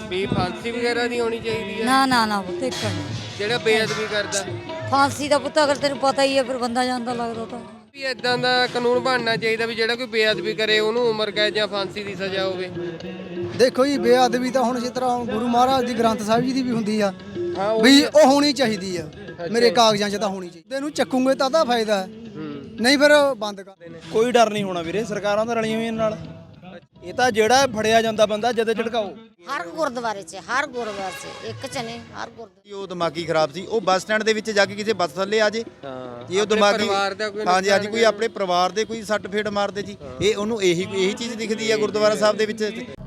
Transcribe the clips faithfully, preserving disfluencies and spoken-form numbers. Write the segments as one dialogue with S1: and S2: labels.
S1: ਵੀ ਫਾਂਸੀ ਵਗੈਰਾ ਨਹੀਂ ਹੋਣੀ ਚਾਹੀਦੀ ਹੈ?
S2: ਨਾ ਨਾ ਨਾ ਪੁੱਤ ਇੱਕ ਨਹੀਂ।
S1: ਜਿਹੜਾ ਬੇਅਦਬੀ ਕਰਦਾ
S2: ਫਾਂਸੀ ਦਾ ਪੁੱਤ ਅਗਰ ਤੈਨੂੰ ਪਤਾ ਹੀ ਹੈ ਫਿਰ ਬੰਦਾ ਜਾਂਦਾ ਲੱਗਦਾ ਤਾਂ
S1: ਵੀ ਇਦਾਂ ਦਾ ਕਾਨੂੰਨ ਬਣਨਾ ਚਾਹੀਦਾ ਵੀ ਜਿਹੜਾ ਕੋਈ ਬੇਅਦਬੀ ਕਰੇ ਉਹਨੂੰ ਉਮਰ ਕੈਦ ਜਾਂ ਫਾਂਸੀ ਦੀ ਸਜ਼ਾ ਹੋਵੇ।
S3: ਦੇਖੋ ਜੀ ਬੇਅਦਬੀ ਤਾਂ ਹੁਣ ਜਿਸ ਤਰ੍ਹਾਂ ਹੁਣ ਗੁਰੂ ਮਹਾਰਾਜ ਦੀ ਗ੍ਰੰਥ ਸਾਹਿਬ ਜੀ ਦੀ ਵੀ ਹੁੰਦੀ ਆ
S1: ਹਾਂ ਉਹ
S3: ਵੀ ਉਹ ਹੋਣੀ ਚਾਹੀਦੀ ਆ ਮੇਰੇ ਕਾਗਜ਼ਾਂ 'ਚ ਤਾਂ ਹੋਣੀ ਚਾਹੀਦੀ। ਇਹਨੂੰ ਚੱਕੂਗੇ ਤਾਂ ਤਾਂ ਫਾਇਦਾ ਹੈ, ਨਹੀਂ ਫਿਰ ਬੰਦ ਕਰ ਦੇਣੇ।
S4: ਕੋਈ ਡਰ ਨਹੀਂ ਹੋਣਾ ਵੀਰੇ, ਸਰਕਾਰਾਂ ਤਾਂ ਰਲੀਆਂ ਹੋਈਆਂ ਨਾਲ। ਇਹ ਤਾਂ ਜਿਹੜਾ ਫੜਿਆ ਜਾਂਦਾ ਬੰਦਾ ਜਦੇ ਝਟਕਾਓ।
S5: ਹਰ ਗੁਰਦੁਆਰੇ 'ਚ ਹਰ ਗੁਰਦੁਆਰੇ 'ਚ ਇੱਕ 'ਚ ਨੇ ਹਰ ਗੁਰਦੁਆਰੇ।
S6: ਉਹ ਦਿਮਾਗੀ ਖਰਾਬ ਸੀ, ਉਹ ਬੱਸ ਸਟੈਂਡ ਦੇ ਵਿੱਚ ਜਾ ਕੇ ਕਿਸੇ ਬੱਸ ਥੱਲੇ ਆ ਜੇ
S1: ਹਾਂ
S6: ਇਹ ਉਹ ਦਿਮਾਗੀ
S1: ਪਰਿਵਾਰ ਦਾ ਕੋਈ
S6: ਹਾਂਜੀ ਹਾਂਜੀ ਕੋਈ ਆਪਣੇ ਪਰਿਵਾਰ ਦੇ ਕੋਈ ਸੱਟ ਫੇਟ ਮਾਰਦੇ ਜੀ, ਇਹ ਉਹਨੂੰ ਇਹੀ ਇਹੀ ਚੀਜ਼ ਦਿਖਦੀ ਆ ਗੁਰਦੁਆਰਾ ਸਾਹਿਬ ਦੇ ਵਿੱਚ।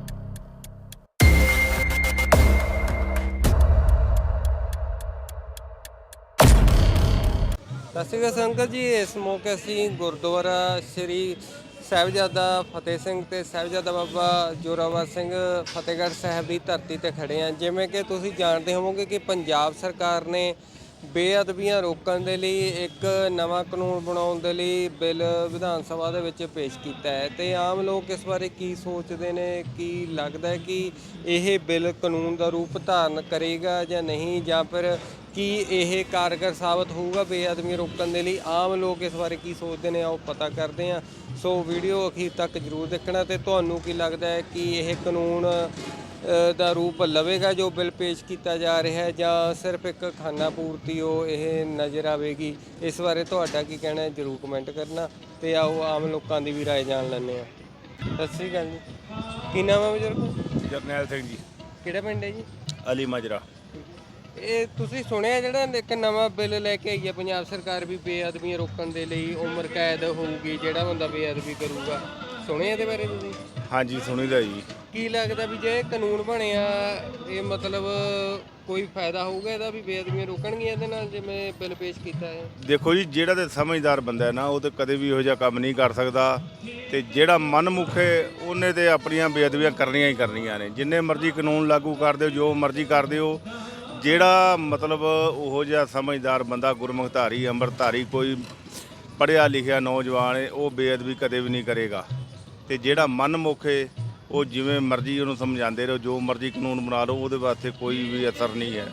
S1: ਸਤਿ ਸ਼੍ਰੀ ਅਕਾਲ ਸੰਗਤ ਜੀ, ਇਸ ਮੌਕੇ ਅਸੀਂ ਗੁਰਦੁਆਰਾ ਸ੍ਰੀ ਸਾਹਿਬਜ਼ਾਦਾ ਫਤਿਹ ਸਿੰਘ ਤੇ ਸਾਹਿਬਜ਼ਾਦਾ ਬਾਬਾ ਜੋਰਾਵਰ ਸਿੰਘ ਫਤਿਹਗੜ੍ਹ ਸਾਹਿਬ ਦੀ ਧਰਤੀ ਤੇ ਖੜੇ ਹਾਂ। ਜਿਵੇਂ ਕਿ ਤੁਸੀਂ ਜਾਣਦੇ ਹੋਵੋਗੇ ਕਿ ਪੰਜਾਬ ਸਰਕਾਰ ਨੇ ਬੇਅਦਬੀਆਂ ਰੋਕਣ ਦੇ ਲਈ ਇੱਕ ਨਵਾਂ ਕਾਨੂੰਨ ਬਣਾਉਣ ਦੇ ਲਈ ਬਿੱਲ ਵਿਧਾਨ ਸਭਾ ਦੇ ਵਿੱਚ ਪੇਸ਼ ਕੀਤਾ ਹੈ ਤੇ ਆਮ ਲੋਕ ਇਸ ਬਾਰੇ ਕੀ ਸੋਚਦੇ ਨੇ, ਕੀ ਲੱਗਦਾ ਹੈ ਕਿ ਇਹ ਬਿੱਲ ਕਾਨੂੰਨ ਦਾ ਰੂਪ ਧਾਰਨ ਕਰੇਗਾ ਜਾਂ ਨਹੀਂ, ਜਾਂ ਫਿਰ ਕੀ ਇਹ ਕਾਰਗਰ ਸਾਬਤ ਹੋਊਗਾ ਬੇਅਦਬੀਆਂ ਰੋਕਣ ਦੇ ਲਈ। ਆਮ ਲੋਕ ਇਸ ਬਾਰੇ ਕੀ ਸੋਚਦੇ ਨੇ ਆਓ ਪਤਾ ਕਰਦੇ ਹਾਂ। ਸੋ ਵੀਡੀਓ ਅਖੀਰ ਤੱਕ ਜ਼ਰੂਰ ਦੇਖਣਾ ਤੇ ਤੁਹਾਨੂੰ ਕੀ ਲੱਗਦਾ ਹੈ ਕਿ ਇਹ ਕਾਨੂੰਨ ਦਾ ਰੂਪ ਲਵੇਗਾ ਜੋ ਬਿੱਲ ਪੇਸ਼ ਕੀਤਾ ਜਾ ਰਿਹਾ ਹੈ, ਜਾਂ ਸਿਰਫ ਇੱਕ ਖਾਨਾ ਪੂਰਤੀ ਉਹ ਇਹ ਨਜ਼ਰ ਆਵੇਗੀ। ਇਸ ਬਾਰੇ ਤੁਹਾਡਾ ਕੀ ਕਹਿਣਾ ਹੈ ਜ਼ਰੂਰ ਕਮੈਂਟ ਕਰਨਾ ਤੇ ਆਓ ਆਮ ਲੋਕਾਂ ਦੀ ਵੀ ਰਾਏ ਜਾਣ ਲੈਂਦੇ ਹਾਂ। ਸਤਿ ਸ਼੍ਰੀ ਅਕਾਲ ਜੀ, ਕੀ ਨਾਮ ਹੈ ਬਜ਼ੁਰਗ?
S7: ਜਰਨੈਲ ਸਿੰਘ ਜੀ।
S1: ਕਿਹੜਾ ਪਿੰਡ ਹੈ ਜੀ?
S7: ਅਲੀ ਮਾਜਰਾ।
S1: ਇਹ ਤੁਸੀਂ ਸੁਣਿਆ ਜਿਹੜਾ ਇੱਕ ਨਵਾਂ ਬਿੱਲ ਲੈ ਕੇ ਆਈ ਹੈ ਪੰਜਾਬ ਸਰਕਾਰ ਵੀ ਬੇਅਦਬੀਆਂ ਰੋਕਣ ਦੇ ਲਈ ਉਮਰ ਕੈਦ ਹੋਊਗੀ ਜਿਹੜਾ ਬੰਦਾ ਬੇਅਦਬੀ ਕਰੂਗਾ, ਸੁਣਿਆ ਇਹਦੇ ਬਾਰੇ ਤੁਸੀਂ?
S7: ਹਾਂਜੀ ਸੁਣੀਦਾ ਜੀ।
S1: ਕੀ ਲੱਗਦਾ ਵੀ ਜੇ ਕਾਨੂੰਨ ਬਣਿਆ ਇਹ ਮਤਲਬ ਕੋਈ ਫਾਇਦਾ ਹੋਊਗਾ ਇਹਦਾ ਵੀ ਬੇਅਦਬੀਆਂ ਰੋਕਣਗੀਆਂ ਇਹਦੇ ਨਾਲ ਜਿਵੇਂ ਬਿੱਲ ਪੇਸ਼ ਕੀਤਾ ਹੈ?
S7: ਦੇਖੋ ਜੀ, ਜਿਹੜਾ ਤੇ ਸਮਝਦਾਰ ਬੰਦਾ ਹੈ ਨਾ ਉਹ ਤੇ ਕਦੇ ਵੀ ਇਹੋ ਜਿਹਾ ਕੰਮ ਨਹੀਂ ਕਰ ਸਕਦਾ, ਤੇ ਜਿਹੜਾ ਮਨਮੁਖ ਹੈ ਉਹਨੇ ਤੇ ਆਪਣੀਆਂ ਬੇਅਦਬੀਆਂ ਕਰਨੀਆਂ ਹੀ ਕਰਨੀਆਂ ਨੇ। ਜਿੰਨੇ ਮਰਜ਼ੀ ਕਾਨੂੰਨ ਲਾਗੂ ਕਰ ਦਿਓ, ਜੋ ਮਰਜ਼ੀ ਕਰ ਦਿਓ, ਜਿਹੜਾ ਮਤਲਬ ਉਹੋ ਜਿਹਾ ਸਮਝਦਾਰ ਬੰਦਾ ਗੁਰਮੁਖ ਧਾਰੀ ਅੰਮ੍ਰਿਤਧਾਰੀ ਕੋਈ ਪੜ੍ਹਿਆ ਲਿਖਿਆ ਨੌਜਵਾਨ ਹੈ ਉਹ ਬੇਅਦਬੀ ਕਦੇ ਵੀ ਨਹੀਂ ਕਰੇਗਾ। ਤੇ ਜਿਹੜਾ ਮਨਮੁਖ ਹੈ ਉਹ ਜਿਵੇਂ ਮਰਜ਼ੀ ਉਹਨੂੰ ਸਮਝਾਉਂਦੇ ਰਹੋ, ਜੋ ਮਰਜ਼ੀ ਕਾਨੂੰਨ ਬਣਾ ਲਓ, ਉਹਦੇ ਵਾਸਤੇ ਕੋਈ ਵੀ ਅਸਰ ਨਹੀਂ ਹੈ।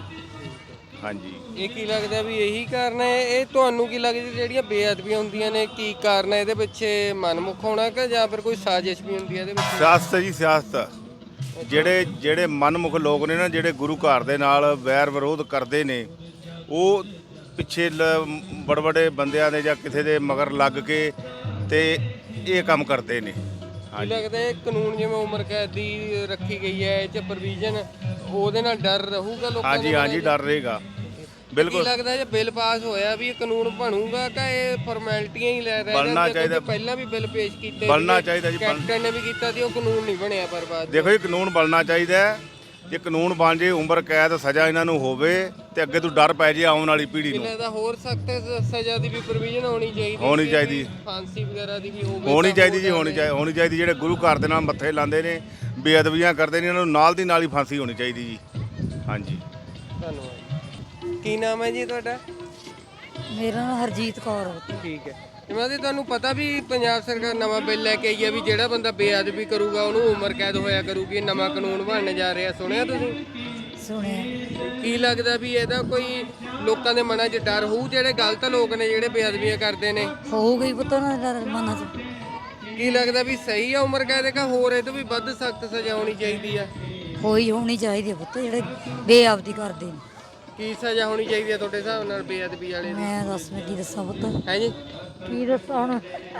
S7: ਹਾਂਜੀ,
S1: ਇਹ ਕੀ ਲੱਗਦਾ ਵੀ ਇਹੀ ਕਾਰਨ ਹੈ? ਇਹ ਤੁਹਾਨੂੰ ਕੀ ਲੱਗਦਾ ਜਿਹੜੀਆਂ ਬੇਅਦਬੀਆਂ ਹੁੰਦੀਆਂ ਨੇ ਕੀ ਕਾਰਨ ਹੈ ਇਹਦੇ ਪਿੱਛੇ? ਮਨਮੁਖ ਹੋਣਾ ਕਿ ਜਾਂ ਫਿਰ ਕੋਈ ਸਾਜ਼ਿਸ਼ ਵੀ ਹੁੰਦੀ ਹੈ ਇਹਦੇ ਵਿੱਚ?
S7: ਸਿਆਸਤ ਜੀ, ਸਿਆਸਤ। ਜਿਹੜੇ ਜਿਹੜੇ ਮਨਮੁਖ ਲੋਕ ਨੇ ਨਾ, ਜਿਹੜੇ ਗੁਰੂ ਘਰ ਦੇ ਨਾਲ ਵੈਰ ਵਿਰੋਧ ਕਰਦੇ ਨੇ, ਉਹ ਪਿੱਛੇ ਬੜੇ ਬੜੇ ਬੰਦਿਆਂ ਦੇ ਜਾਂ ਕਿਸੇ ਦੇ ਮਗਰ ਲੱਗ ਕੇ ਤੇ ਇਹ ਕੰਮ ਕਰਦੇ ਨੇ।
S1: ਕੀ ਲੱਗਦਾ ਇਹ ਕਾਨੂੰਨ ਜਿਵੇਂ ਉਮਰ ਕੈਦ ਦੀ ਰੱਖੀ ਗਈ ਹੈ ਇਹ 'ਚ ਪ੍ਰੋਵੀਜ਼ਨ, ਉਹਦੇ ਨਾਲ ਡਰ ਰਹੂਗਾ ਲੋਕਾਂ ਨੂੰ?
S7: ਹਾਂਜੀ ਹਾਂਜੀ, ਡਰ ਰਹੇਗਾ ਬਿਲਕੁਲ।
S1: ਕੀ ਲੱਗਦਾ ਜੇ ਬਿੱਲ ਪਾਸ ਹੋਇਆ ਵੀ ਇਹ ਕਾਨੂੰਨ ਬਣੂਗਾ ਕਿ ਇਹ ਫਾਰਮੈਲਿਟੀਆਂ ਹੀ ਲੈ ਰਹੇ ਨੇ?
S7: ਬਣਨਾ ਚਾਹੀਦਾ।
S1: ਪਹਿਲਾਂ ਵੀ ਬਿੱਲ ਪੇਸ਼ ਕੀਤੇ
S7: ਬਣਨਾ ਚਾਹੀਦਾ ਜੀ।
S1: ਕੈਪਟਨ ਨੇ ਵੀ ਕੀਤਾ ਸੀ, ਉਹ ਕਾਨੂੰਨ ਨਹੀਂ ਬਣਿਆ ਪਰ ਬਾਅਦ।
S7: ਦੇਖੋ ਜੀ, ਕਾਨੂੰਨ ਬਣਨਾ ਚਾਹੀਦਾ ਹੈ। ਜੇ ਕਾਨੂੰਨ ਬਣ ਜੇ, ਉਮਰ ਕੈਦ ਸਜ਼ਾ ਇਹਨਾਂ ਨੂੰ ਹੋਵੇ ਤੇ ਅੱਗੇ ਤੋਂ ਡਰ ਪੈ ਜੇ ਆਉਣ ਵਾਲੀ ਪੀੜ੍ਹੀ ਨੂੰ।
S1: ਇਹਦਾ ਹੋਰ ਸਖਤ ਸਜ਼ਾ ਦੀ ਵੀ ਪ੍ਰੋਵੀਜ਼ਨ ਹੋਣੀ ਚਾਹੀਦੀ
S7: ਹੋਣੀ ਚਾਹੀਦੀ
S1: ਫਾਂਸੀ ਵਗੈਰਾ ਦੀ ਵੀ ਹੋਵੇ
S7: ਹੋਣੀ ਚਾਹੀਦੀ ਜੀ, ਹੋਣੀ ਚਾਹੀਦੀ ਹੋਣੀ ਚਾਹੀਦੀ ਜਿਹੜੇ ਗੁਰੂ ਘਰ ਦੇ ਨਾਲ ਮੱਥੇ ਲਾਉਂਦੇ ਨੇ, ਬੇਅਦਬੀਆਂ ਕਰਦੇ ਨੇ, ਇਹਨਾਂ ਨੂੰ ਨਾਲ ਦੀ ਨਾਲ ਹੀ ਫਾਂਸੀ ਹੋਣੀ ਚਾਹੀਦੀ ਜੀ। ਹਾਂਜੀ,
S1: ਧੰਨਵਾਦ। ਕੀ ਨਾਮ ਹੈ ਜੀ ਤੁਹਾਡਾ?
S2: ਮੇਰਾ ਨਾਮ ਹਰਜੀਤ ਕੌਰ ਹੈ।
S1: ਠੀਕ ਹੈ। ਜਿਵੇਂ ਕਿ ਤੁਹਾਨੂੰ ਪਤਾ ਵੀ ਪੰਜਾਬ ਸਰਕਾਰ ਨਵਾਂ ਬਿੱਲ ਲੈ ਕੇ ਆਈ ਹੈ ਵੀ ਜਿਹੜਾ ਬੰਦਾ ਬੇਅਦਬੀ ਕਰੂਗਾ ਉਹਨੂੰ ਉਮਰ ਕੈਦ ਹੋਇਆ ਕਰੂਗੀ, ਨਵਾਂ ਕਾਨੂੰਨ ਬਣਨ ਜਾ ਰਿਹਾ, ਸੁਣਿਆ ਤੁਸੀਂ?
S2: ਸੁਣਿਆ।
S1: ਕੀ ਲੱਗਦਾ ਵੀ ਇਹਦਾ ਕੋਈ ਲੋਕਾਂ ਦੇ ਮਨਾਂ 'ਚ ਡਰ ਹੋਊ, ਜਿਹੜੇ ਗਲਤ ਲੋਕ ਨੇ ਜਿਹੜੇ ਬੇਅਦਬੀਆਂ ਕਰਦੇ ਨੇ?
S2: ਹੋਊਗਾ ਹੀ ਪੁੱਤ ਉਹਨਾਂ ਦੇ ਮਨਾਂ 'ਚ।
S1: ਕੀ ਲੱਗਦਾ ਵੀ ਸਹੀ ਆ ਉਮਰ ਕੈਦ ਕਿ ਹੋਰ ਇਹ ਤੋਂ ਵੀ ਵੱਧ ਸਖਤ ਸਜ਼ਾ ਹੋਣੀ ਚਾਹੀਦੀ ਆ?
S2: ਹੋਈ ਹੋਣੀ ਚਾਹੀਦੀ ਹੈ ਪੁੱਤ ਜਿਹੜੇ ਬੇਅਦਬੀ ਕਰਦੇ ਨੇ।
S1: ਕੀ ਸਜ਼ਾ ਹੋਣੀ ਚਾਹੀਦੀ ਹੈ ਤੁਹਾਡੇ ਹਿਸਾਬ ਨਾਲ ਬੇਅਦਬੀ ਵਾਲੇ ਦੀ?
S2: ਮੈਂ ਦੱਸ ਮੈਂ ਕੀ ਦੱਸਾਂ ਪੁੱਤ,
S1: ਹੈ ਜੀ,
S2: ਕੀ ਦੱਸਾਂ ਹੁਣ?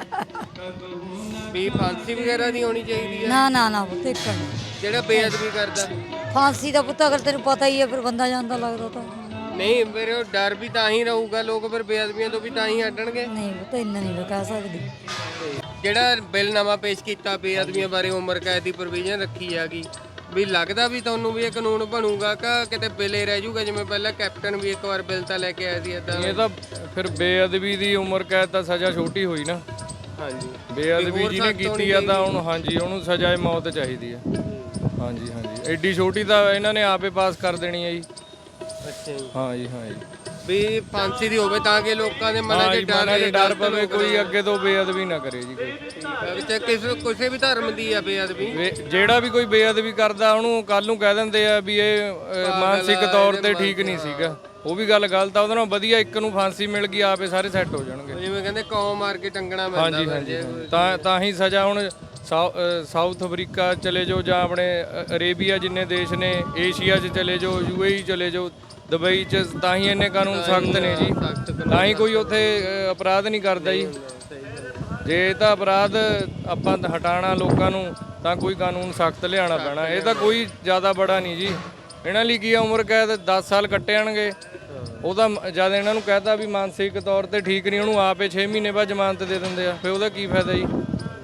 S1: ਵੀ ਫਾਂਸੀ ਵਗੈਰਾ ਦੀ ਹੋਣੀ ਚਾਹੀਦੀ ਹੈ
S2: ਨਾ ਨਾ ਨਾ ਪੁੱਤ ਇੱਕ ਨਹੀਂ।
S1: ਜਿਹੜਾ ਬੇਅਦਬੀ ਕਰਦਾ?
S2: ਫਾਂਸੀ ਦਾ ਪੁੱਤ ਅਗਰ ਤੈਨੂੰ ਪਤਾ ਹੀ ਹੈ ਫਿਰ ਬੰਦਾ ਜਾਂਦਾ ਲੱਗਦਾ ਤਾਂ
S1: ਨਹੀਂ, ਮੇਰੇ ਉਹ ਡਰ ਵੀ ਤਾਂ ਹੀ ਰਹੂਗਾ, ਲੋਕ ਫਿਰ ਬੇਅਦਬੀਆਂ ਤੋਂ ਵੀ ਤਾਂ ਹੀ ਹਟਣਗੇ।
S2: ਨਹੀਂ ਪੁੱਤ ਇੰਨਾ ਨਹੀਂ ਮੈਂ ਕਹਿ ਸਕਦੀ।
S1: ਜਿਹੜਾ ਬਿੱਲ ਨਵਾਂ ਪੇਸ਼ ਕੀਤਾ ਬੇਅਦਬੀਆਂ ਬਾਰੇ ਉਮਰ ਕੈਦ ਦੀ ਪ੍ਰੋਵੀਜ਼ਨ ਰੱਖੀ ਹੈਗੀ, ਵੀ ਲੱਗਦਾ ਵੀ ਤੁਹਾਨੂੰ ਵੀ ਇਹ ਕਾਨੂੰਨ ਬਣੂਗਾ ਕਿ ਕਿਤੇ ਬਿੱਲੇ ਰਹਿ ਜਾਊਗਾ ਜਿਵੇਂ ਪਹਿਲਾਂ ਕੈਪਟਨ ਵੀ ਇੱਕ ਵਾਰ ਬਿੱਲ ਤਾਂ ਲੈ ਕੇ ਆਇਆ ਸੀ ਇਦਾਂ?
S8: ਇਹ ਤਾਂ ਫਿਰ ਬੇਅਦਬੀ ਦੀ ਉਮਰ ਕੈਦ ਤਾਂ ਸਜ਼ਾ ਛੋਟੀ ਹੋਈ ਨਾ।
S1: ਹਾਂਜੀ,
S8: ਬੇਅਦਬੀ ਜਿਹਨੇ ਕੀਤੀ ਆ ਤਾਂ ਹੁਣ ਹਾਂਜੀ ਉਹਨੂੰ ਸਜ਼ਾ ਮੌਤ ਚਾਹੀਦੀ ਆ। ਹਾਂਜੀ ਹਾਂਜੀ, ਐਡੀ ਛੋਟੀ ਤਾਂ ਇਹਨਾਂ ਨੇ ਆਪੇ ਪਾਸ ਕਰ ਦੇਣੀ ਹੈ ਜੀ।
S1: ਅੱਛਾ ਜੀ।
S8: ਹਾਂ ਜੀ ਹਾਂ ਜੀ।
S1: ਵੀ ਫਾਂਸੀ ਦੀ ਹੋਵੇ ਤਾਂ ਕਿ ਲੋਕਾਂ ਦੇ ਮਨਾਂ 'ਚ
S8: ਹਾਂ
S1: ਡਰ
S8: ਜੀ, ਡਰ ਪਵੇ ਕੋਈ ਅੱਗੇ ਤੋਂ ਬੇਅਦਬੀ ਨਾ ਕਰੇ ਜੀ ਕੋਈ।
S1: ਵਿੱਚ ਕਿਸੇ ਕਿਸੇ ਵੀ ਧਰਮ ਦੀ ਆ ਬੇਅਦਬੀ
S8: ਵੇ- ਜਿਹੜਾ ਵੀ ਕੋਈ ਬੇਅਦਬੀ ਕਰਦਾ ਉਹਨੂੰ ਕੱਲ ਨੂੰ ਕਹਿ ਦਿੰਦੇ ਆ ਵੀ ਇਹ ਅ, ਮਾਨਸਿਕ ਤੌਰ ਤੇ ਠੀਕ ਨਹੀਂ ਸੀਗਾ। ਉਹ ਵੀ ਗੱਲ ਗਲਤ ਆ। ਉਹਦੇ ਨਾਲ ਵਧੀਆ ਇੱਕ ਨੂੰ ਫਾਂਸੀ ਮਿਲ ਗਈ ਆਪੇ ਸਾਰੇ ਸੈੱਟ ਹੋ ਜਾਣਗੇ।
S1: ਜਿਵੇਂ ਕਹਿੰਦੇ ਕੌਮ ਮਾਰ ਕੇ ਟੰਗਣਾ ਪੈਂਦਾ
S8: ਹਾਂਜੀ ਹਾਂਜੀ ਹਾਂ। ਤਾਂ ਤਾਂ ਹੀ ਸਜ਼ਾ ਹੁਣ ਸਾਊ- ਅ, ਸਾਊਥ ਅਫਰੀਕਾ ਚਲੇ ਜਾਓ ਜਾਂ ਆਪਣੇ ਅ, ਅਰੇਬੀਆ ਜਿੰਨੇ ਦੇਸ਼ ਨੇ, ਏਸ਼ੀਆ 'ਚ ਚਲੇ ਜਾਓ, ਯੂਏਈ ਚਲੇ ਜਾਓ, ਦੁਬਈ 'ਚ, ਤਾਂ ਹੀ ਇੰਨੇ ਕਾਨੂੰਨ ਸਖਤ ਨੇ ਜੀ। ਤਾਂ ਹੀ ਕੋਈ ਉੱਥੇ ਅ, ਅਪਰਾਧ ਨਹੀਂ ਕਰਦਾ ਜੀ। ਜੇ ਤਾਂ ਅਪਰਾਧ ਆਪਾਂ ਹਟਾਉਣਾ ਲੋਕਾਂ ਨੂੰ ਤਾਂ ਕੋਈ ਕਾਨੂੰਨ ਸਖਤ ਲਿਆਉਣਾ ਪੈਣਾ। ਇਹ ਤਾਂ ਕੋਈ ਜ਼ਿਆਦਾ ਬੜਾ ਨਹੀਂ ਜੀ। ਇਹਨਾਂ ਲਈ ਕੀ ਆ, ਉਮਰ ਕੈਦ ਦਸ ਸਾਲ ਕੱਟੇ ਜਾਣਗੇ। ਉਹਦਾ ਜਦ ਇਹਨਾਂ ਨੂੰ ਕਹਿਤਾ ਵੀ ਮਾਨਸਿਕ ਤੌਰ ਤੇ ਠੀਕ ਨਹੀਂ, ਉਹਨੂੰ ਆਪੇ ਛੇ ਮਹੀਨੇ ਬਾਅਦ ਜ਼ਮਾਨਤ ਦੇ ਦਿੰਦੇ ਆ, ਫਿਰ ਉਹਦਾ ਕੀ ਫਾਇਦਾ ਜੀ।